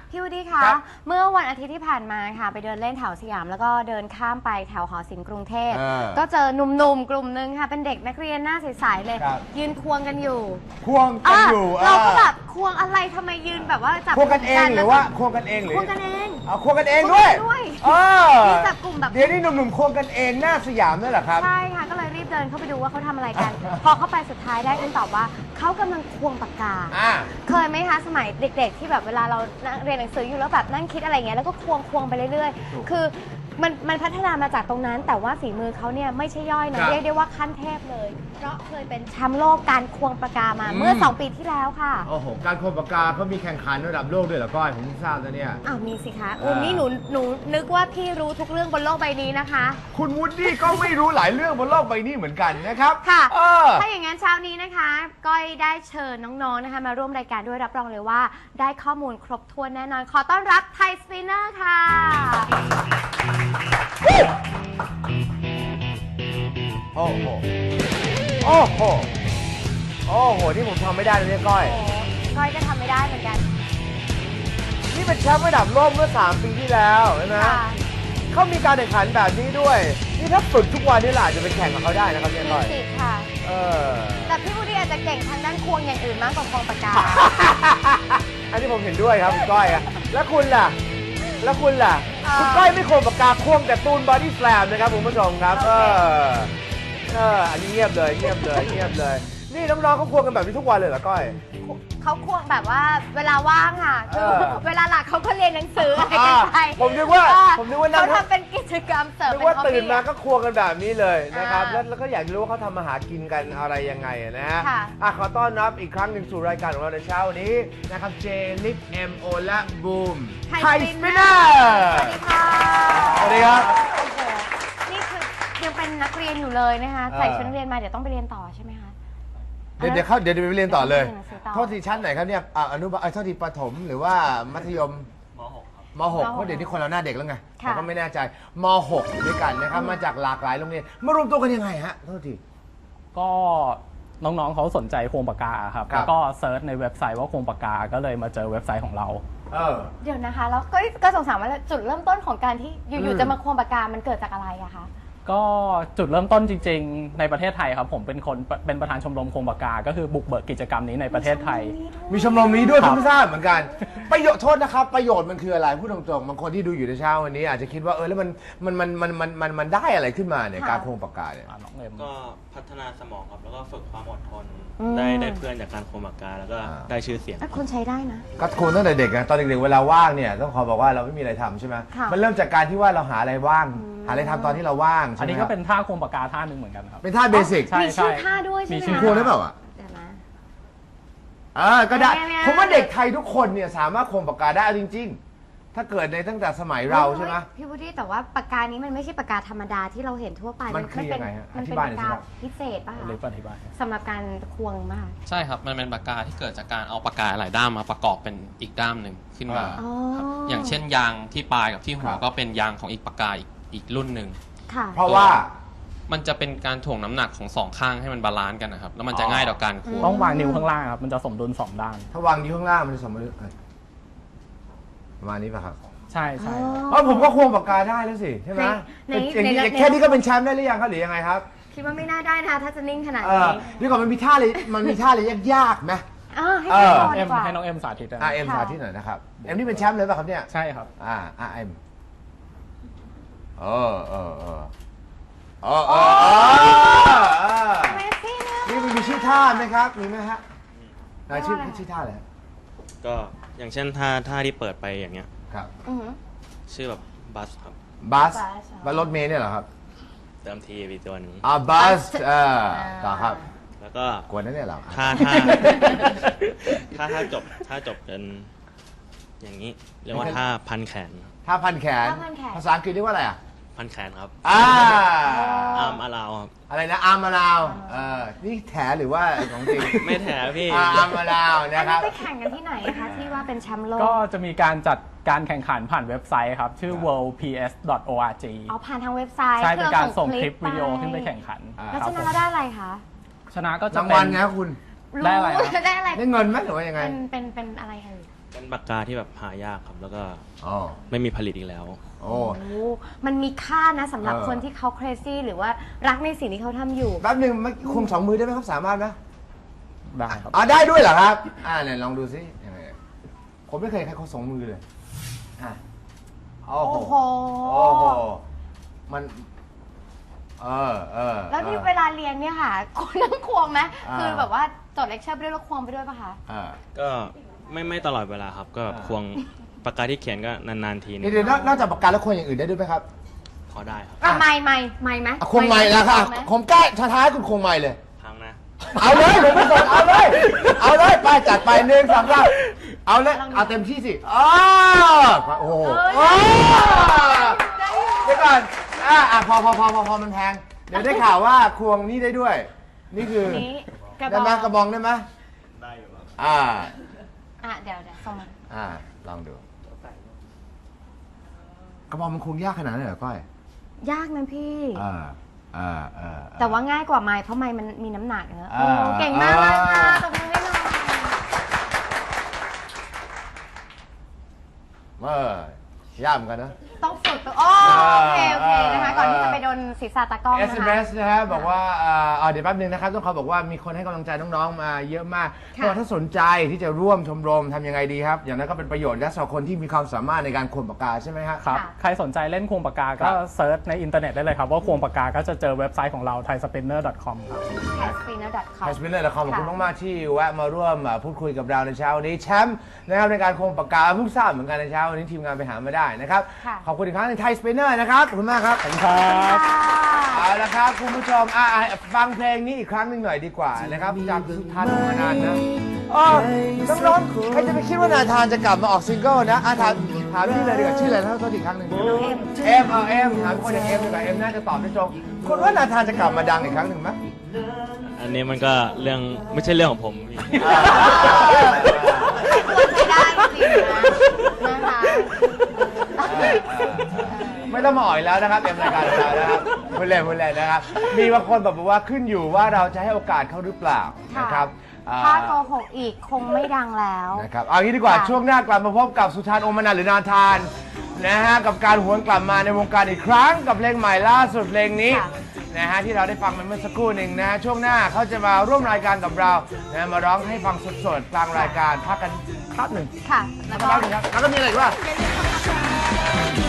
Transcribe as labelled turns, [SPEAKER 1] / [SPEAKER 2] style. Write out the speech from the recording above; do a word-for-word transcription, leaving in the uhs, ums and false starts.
[SPEAKER 1] พี่วูดดี้คะเมื่อวันอาทิตย์ที่ผ่านมาค่ะไปเดินเล่นแถวสยามแล้วก็เดินข้ามไปแถวหอศิลป์กรุงเทพก็เจอหนุ่มๆกลุ่มนึงค่ะเป็นเด็กนักเรียนหน้าใสๆเลยยืนควงกันอยู่
[SPEAKER 2] ควงกันอยู่
[SPEAKER 1] เราก็แบบควงอะไรทำไมยืนแบบว่าจับ
[SPEAKER 2] ควงกันเองหรือว่าควงกันเองหรือ
[SPEAKER 1] ควงกันเอง
[SPEAKER 2] เอาควงกันเองด้วยเออ
[SPEAKER 1] จับกลุ่มแบบ
[SPEAKER 2] เดี๋ยวนี้หนุ่มๆควงกันเองหน้าสยามนั่นแหละครับ
[SPEAKER 1] ใช่ค่ะก็เลยรีบเดินเข้าไปดูว่าเขาทำอะไรกันพอเข้าไปสุดท้ายได้คำตอบว่าเขากำลังควงปากกาเคยไหมคะสมัยเด็กๆที่แบบเวลาเราเรียนหนังสืออยู่แล้วแบบนั่งคิดอะไรเงี้ยแล้วก็ควงควงไปเรื่อยๆคือมันมันพัฒนามาจากตรงนั้นแต่ว่าฝีมือเขาเนี่ยไม่ใช่ย่อยนะเรียกได้ว่าขั้นเทพเลยเพราะเคยเป็นแชมป์โลกการควงปากกามาเมื่อสองปีที่แล้วค่ะ
[SPEAKER 2] โอ้โหการควงปากกาเขามีแข่งขันระดับโลกด้วยเหรอก้อยผมทราบนะเนี่ย
[SPEAKER 1] อ้าวมีสิคะอุ้มนี่หนูหนูนึกว่าพี่รู้ทุกเรื่องบนโลกใบนี้นะคะ
[SPEAKER 2] คุณวูดดี้ก็ไม่รู้หลายเรื่องบนโลกใบนี้เหมือนกันนะครับ
[SPEAKER 1] ค่ะถ้าอย่างนั้นเช้านี้นะคะก้อยได้เชิญน้องๆนะคะมาร่วมรายการด้วยรับรองเลยว่าได้ข้อมูลครบถ้วนแน่นอนขอต้อนรับไทยสปินเนอร์ค่ะ
[SPEAKER 2] โอ้โหโอ้โหโอ้โหนี่ผมทำไม่ได้เลยเนี่ยก้อย
[SPEAKER 1] ก้อยก็ทำไม่ได้เหมือนกัน
[SPEAKER 2] นี่เป็นแชมป์ระดับโลกเมื่อสามปีที่แล้วใช่ไหมเขามีการแข่งขันแบบนี้ด้วยนี่ถ้าฝึกทุกวันนี่แหละจะไปแข่งกับเขาได้นะครับเนี่ยก้อย
[SPEAKER 1] สิค่ะ
[SPEAKER 2] เออ
[SPEAKER 1] แต่พี่วูดดี้อาจจะเก่งทางด้านควงอย่างอื่นมากกว่าควงปากกา
[SPEAKER 2] อันนี้ผมเห็นด้วยครับคุณก้อยอะแล้วคุณล่ะแล้วคุณล่ะคุณก้อยไม่ควงปากกาควงแต่ตูนบอดี้สแลมนะครับคุณผู้ชมครับเออเอออันนี้เงียบเลยเงียบเลยเงียบเลยนี่น้องๆเขาควงกันแบบนี้ทุกวันเลยเหรอก้อย
[SPEAKER 1] เขาควงแบบว่าเวลาว่างค่ะคือเวลาหลักเขาก็เรียนหนังสืออะไรกันไป
[SPEAKER 2] ผมนึกว่าผมนึกว่า
[SPEAKER 1] เขาทำเป็นกิจกรรมเสริม
[SPEAKER 2] นึกว่าตื่นมาก็ควงกันแบบนี้เลยนะครับแล้วก็อยากรู้ว่าเขาทำอาหารกินกันอะไรยังไงนะฮะอ่ะขอต้อนรับอีกครั้งหนึ่งสู่รายการของเราในเช้าวันนี้นะครับเจลิฟเอ็มโอและบูมไทยสปินเนอร์
[SPEAKER 1] สวัสดีค่ะ
[SPEAKER 2] สวัสดีครับ
[SPEAKER 1] โอ้โหนี่คือยังเป็นนักเรียนอยู่เลยนะคะใส่ชุดนักเรียนมาเดี๋ยวต้องไปเรียนต่อใช่ไหมคะ
[SPEAKER 2] เดี๋ยวเดี๋ยวเขาเดี๋ยวไปเรียนต่อเลยโทษทีชั้นไหนครับเนี่ยอนุบาลโทษทีประถมหรือว่ามัธยม
[SPEAKER 3] ม หก ครับ
[SPEAKER 2] ม หก เพราะเดี๋ยวนี้คนเราหน้าเด็กแล้วไงเราก็ไม่แน่ใจม หก ด้วยกันนะครับมาจากหลากหลายโรงเรียนมารวมตัวกันยังไงฮะโทษที
[SPEAKER 3] ก็น้องๆเขาสนใจโครงปากกาครับแล้วก็เซิร์ชในเว็บไซต์ว่าโครงปากกาก็เลยมาเจอเว็บไซต์ของเรา
[SPEAKER 2] เออ
[SPEAKER 1] เดี๋ยวนะคะแล้วก็ก็สงสัยว่าจุดเริ่มต้นของการที่อยู่ๆจะมาโครงปากกามันเกิดจากอะไรอะคะ
[SPEAKER 3] ก็จุดเริ่มต้นจริงๆในประเทศไทยครับผมเป็นคนเป็นประธานชมรมโครงปากกาก็คือบุกเบิกกิจกรรมนี้ในประเทศไทย
[SPEAKER 2] มีชมรมนี้ด้วยผมไม่ทราบเหมือนกันประโยชน์โทษนะครับประโยชน์มันคืออะไรพูดตรงๆบางคนที่ดูอยู่ในเช้าวันนี้อาจจะคิดว่าเออแล้วมันมันมันมันมันมันมันได้อะไรขึ้นมาเนี่ยการโครงปากกาเนี่ย
[SPEAKER 4] ก็พัฒนาสมองครับแล้วก็ฝึกความอดทนได้ได้เพื่อนจากการโครงปากกาแล้วก็ได้ชื่อเสียง
[SPEAKER 1] คุณใช้ได้นะ
[SPEAKER 2] ก็โครงตั้งแต่เด็กนะตอนเด็กๆเวลาว่างเนี่ยต้องขอบอกว่าเราไม่มีอะไรทำใช่ไหมมันเริ่มจากการที่ว่าเราหาอะไรว่างหาอะไรทำตอนที่เราว่าง
[SPEAKER 3] อันนี้ก็เป็นท่าโครงปากกาท่าหนึ่งเหมือนกันครับ
[SPEAKER 2] เป็นท่าเบสิก
[SPEAKER 1] มีชื่อท่าด้วยใช่ไหม
[SPEAKER 2] มีชื่อได้เปล่าอ่ะเดี๋ยวนะเออก็ได้ผมว่าเด็กไทยทุกคนเนี่ยสามารถโครงปากกาได้จริงๆถ้าเกิดในตั้งแต่สมัยเราใช่ไหม
[SPEAKER 1] พี่วูดดี้แต่ว่าปากกานี้มันไม่ใช่ปากกาธรรมดาที่เราเห็นทั่วไป
[SPEAKER 2] มันคือยังไงฮะ
[SPEAKER 1] มันเป็นปากกาพิเศษป่ะ
[SPEAKER 3] หรืออธิบาย
[SPEAKER 1] สำหรับการควงมาก
[SPEAKER 4] ใช่ครับมันเป็นปากกาที่เกิดจากการเอาปากกาหลายด้ามมาประกอบเป็นอีกด้ามหนึ่งขึ้นมาอย่างเช่นยางที่ปลายกับที่หัวก็เป็นยางของอีกปากกาอีกอีกรุ่นหนึ่ง
[SPEAKER 2] เพราะว่า
[SPEAKER 4] มันจะเป็นการถ่วงน้ำหนักของสองข้างให้มันบาลานซ์กันนะครับแล้วมันจะง่ายต่อการควง
[SPEAKER 3] ต้องวางนิ้วข้างล่างครับมันจะสมดุลสองด้าน
[SPEAKER 2] ถ้าวางนิ้วข้างล่างมันจะสมดุลประมาณนี้ป่ะครับ
[SPEAKER 3] ใช่ใช่
[SPEAKER 2] เพราะผมก็ควงปากกาได้แล้วสิใช่ไหมแค่นี้ก็เป็นแชมป์ได้หรือยังครับหรือยังไงครับ
[SPEAKER 1] คิดว่าไม่น่าได้นะคะถ้าจะนิ่งขนาดนี้
[SPEAKER 2] นี่ก่อนมันมีท่าเลยมันมีท่าเลยยากๆไหม
[SPEAKER 1] ให้น้อง
[SPEAKER 3] เอ็มให้น้องเอ็มสาธิต
[SPEAKER 2] อ่าเอ็มสาธิตหน่อยนะครับเอ็มนี่เป็นแชมป์เลยป่ะครับเนี่ย
[SPEAKER 3] ใช่ครับ
[SPEAKER 2] อ่าอ่าเอ็มเออเออเออเออเออนี่มันมีชื่อท่าไหมครับมีไหมฮะชื่อชื่อท่าอะไร
[SPEAKER 4] ก็อย่างเช่นท่าท่าที่เปิดไปอย่างเงี้ย
[SPEAKER 2] ครับ
[SPEAKER 4] ชื่อแบบบัสครับ
[SPEAKER 2] บัสบัสรถเมล์เนี่ยเหรอครับ
[SPEAKER 4] เติมทีวีตัวนี้
[SPEAKER 2] อ่าบัสเออต่อครับ
[SPEAKER 4] แล้วก็
[SPEAKER 2] กวนนั่นเนี่ยเหรอ
[SPEAKER 4] ท่าท่าท่าท่าจบท่าจบเป็นอย่างนี้เรียกว่าท่าพันแขน
[SPEAKER 2] ท่าพันแขนภาษาอังกฤษเรียกว่าอะไรอ่ะ
[SPEAKER 4] พันแขนครับ
[SPEAKER 2] อ่า
[SPEAKER 4] อาร์มอาลาวครับ
[SPEAKER 2] อะไรนะอาร์มอาลาวเออนี่แถหรือว่าของจริง
[SPEAKER 4] ไม่แถพี่
[SPEAKER 2] อาร์มอาลาวนะครับ
[SPEAKER 1] ไปแข่งกันที่ไหนคะที่ว่าเป็นแชมป์โลก
[SPEAKER 3] ก็จะมีการจัดการแข่งขันผ่านเว็บไซต์ครับชื่อ เวิลด์ พี เอส ดอท โอ อาร์ จี
[SPEAKER 1] อ๋อผ่านทางเว็บไซต์
[SPEAKER 3] ใช่เป็นการส่งคลิปวิดีโอขึ้นไปแข่งขัน
[SPEAKER 1] แล้วชนะเราได้อะไรคะ
[SPEAKER 3] ชนะก็จะ
[SPEAKER 2] รางวัลไงคุณ
[SPEAKER 3] ได้อะไร
[SPEAKER 1] ได้อะไร
[SPEAKER 2] ได้เงินไหมหรือว่ายังไง
[SPEAKER 1] เป็นเป็นเป็นอะไรเอ่ย
[SPEAKER 5] เป็นปากกาที่แบบหายากครับ แล้วก็
[SPEAKER 2] อ๋อ
[SPEAKER 5] ไม่มีผลิตอีกแล้ว
[SPEAKER 2] โอ้
[SPEAKER 1] โอ้มันมีค่านะสำหรับ
[SPEAKER 2] เออ
[SPEAKER 1] คนที่เขา crazy หรือว่ารักในสิ่งที่เขาทำอยู่
[SPEAKER 2] แป๊บหนึ่งเมื่อกี้คุมสองมือได้ไหมครับสามารถไหม
[SPEAKER 3] ได้ครับ
[SPEAKER 2] อ่าได้ด้วยเหรอครับ อ่าเนี่ยลองดูซิยังไงผมไม่เคยใครเขาสองมือเลยอ่ะโอ้โห
[SPEAKER 1] โอ้โห
[SPEAKER 2] โอ้โหมันเออเออ
[SPEAKER 1] แล้วที่
[SPEAKER 2] ออ
[SPEAKER 1] เวลาเรียนเนี่ยค่ะ คุณนั่งควงไหม
[SPEAKER 2] อ่า
[SPEAKER 1] คือแบบว่าจดเลคเชอร์ไปด้วยแล้วควงไปด้วยปะคะ
[SPEAKER 2] อ่า
[SPEAKER 5] ก็ไม่ไม่ตลอดเวลาครับ ก็
[SPEAKER 2] อ่า
[SPEAKER 5] ควงปากกาที่เขียนก็นานๆทีนึง
[SPEAKER 2] เดี๋ยวนอกจากปากกาแล้วควงอย่างอื่นได้ด้วยไหมครับ
[SPEAKER 5] พอได้ครับ
[SPEAKER 1] อ่ะไม่ไม่ไม่ไหม
[SPEAKER 2] อ่ะควงไม้นะครับ
[SPEAKER 1] ไหม
[SPEAKER 2] ผมกล้าท้ายคุณควงไม้เลย
[SPEAKER 5] พังนะ
[SPEAKER 2] เอาเลยผมไม่สนเอาเลย เอาเลยไปจัดไปหนึ่งสองสามเอาเลยเอาเต็มที่สิอ้าวโอ้โหอ้าวเดี๋ยวก่อนอ่ะอ่ะพอพอพอพอพอมันแพงเดี๋ยวได้ข่าวว่าควงนี่ได้ด้วย นี่คือ
[SPEAKER 1] อันนี้กระบ
[SPEAKER 2] ได้
[SPEAKER 1] อ
[SPEAKER 2] ไหม
[SPEAKER 1] ก
[SPEAKER 2] กระบองได้ไหมได้อยู่ครับอ่า
[SPEAKER 1] อ่ะเดี๋ยวเดี๋ยวส่งมา
[SPEAKER 2] อ่าลองดู กระบองมันควงยากขนาดนั้นเหรอก้อย
[SPEAKER 1] ยากนะพี่
[SPEAKER 2] อ่าอ่าอ่า
[SPEAKER 1] แต่ว่าง่ายกว่าไม้เพราะไม้มันมีน้ำหนักเนอะ
[SPEAKER 2] อ่า
[SPEAKER 1] โอ้เก่งมากเลยค่ะ
[SPEAKER 2] อ่า
[SPEAKER 1] ตบมือให้หน่อย
[SPEAKER 2] เออยากเหมือนกันนะ
[SPEAKER 1] ต้องฝึกตัวโอ้โอเคโอเคนะคะ ก่อนที่จะไปโดนศีรษะตากล้อง
[SPEAKER 2] เอ
[SPEAKER 1] นะ
[SPEAKER 2] ส
[SPEAKER 1] คะ
[SPEAKER 2] เอ็ม เอส นะฮะบอกว่าเอ่อเอ่อเดี๋ยวแป๊บนึงนะครับต้องขอบอกว่ามีคนให้กำลังใจน้องๆมาเยอะมาก
[SPEAKER 1] ค่ะ
[SPEAKER 2] ก็ถ้าสนใจที่จะร่วมชมรมทำยังไงดีครับ อย่างนั้นก็เป็นประโยชน์และสำหรับคนที่มีความสามารถในการขนปากกาใช่ไหมฮะ
[SPEAKER 3] ครับ
[SPEAKER 1] ค่ะ
[SPEAKER 3] ใครสนใจเล่นควงปากกา
[SPEAKER 2] ค
[SPEAKER 3] ก็
[SPEAKER 2] รับ
[SPEAKER 3] เซิร์ชในอินเทอร์เน็ตได้เลยครับว่าควงปากกาก็จะเจอเว็บไซต์ของเรา ไทยสปินเนอร์ ดอท คอม ครับ
[SPEAKER 1] แคสปีนอร์ดอทคอ
[SPEAKER 2] ไท
[SPEAKER 1] ม
[SPEAKER 2] ยสปินเนอร์ละครขอบคุณ
[SPEAKER 1] ค่ะ
[SPEAKER 2] มากๆที่แวะมาร่วมอ่าพูดคุยกับเราในเช้าวันนี้แชมป์นะครับในการควงปากกาเพิ่งทราบเหมือนกันในเช้าวันนี้ทีมงานไปหามาได้นะครับ
[SPEAKER 1] ค่ะ
[SPEAKER 2] ขอบคุณอีกครั้งหนึงไทยสปินเนอร์นะครับขอบคุณมากครับ
[SPEAKER 3] ขอบคุณครับ
[SPEAKER 2] เอาละครับคุณผู้ชมอ่ะอ่ะฟังเพลงนี้อีกครั้งหนึ่งหน่อยดีกว่านะครับจากสุทันมานานนะอ๋อน้องๆใครจะไปคิดว่านาธานจะกลับมาออกซิงเกิลนะอ่ะถามถามพี่เลยดีกว่าชื่ออะไรนะตัวอีกครั้งหนึ่งเอ็มเออเอ็มถามคนอย่างเอ็มดีกว่าเอ็มน่าจะตอบได้ตรงคุณว่านาธานจะกลับมาดังอีกครั้งหนึ่งไหม
[SPEAKER 5] อันนี้มันก็เรื่องไม่ใช่เรื่องของผมพี่
[SPEAKER 1] ควรใช้ได้จริงๆนะนะคะ
[SPEAKER 2] ไม่ต้องมาอ่อยแล้วนะครับเอ็มรายการเรานะครับพูดเล่นพูดเล่นนะครับมีบางคนบอกว่าขึ้นอยู่ว่าเราจะให้โอกาสเขาหรือเปล่านะครับอ่า
[SPEAKER 1] ถ้าโกหกอีกคงไม่ดังแล้ว
[SPEAKER 2] นะครับเอางี้ดีกว่า
[SPEAKER 1] ค่ะ
[SPEAKER 2] ช่วงหน้ากลับมาพบกับสุธานโอมนันท์หรือนาธานนะฮะกับการหวนกลับมาในวงการอีกครั้งกับเพลงใหม่ล่าสุดเพลงนี้
[SPEAKER 1] ค่ะ
[SPEAKER 2] นะฮะที่เราได้ฟังไปเมื่อสักครู่หนึ่งนะฮะช่วงหน้าเขาจะมาร่วมรายการกับเรานะมาร้องให้ฟังสดๆกลางรายการพักกันพักหนึ่ง
[SPEAKER 1] ค่ะ
[SPEAKER 2] พั
[SPEAKER 1] แล้
[SPEAKER 2] ก
[SPEAKER 1] ว
[SPEAKER 2] กัน
[SPEAKER 1] ก็
[SPEAKER 2] พักหนึ่งครับแล้วก็มีอะไรอีกว่า
[SPEAKER 1] อย่าลืม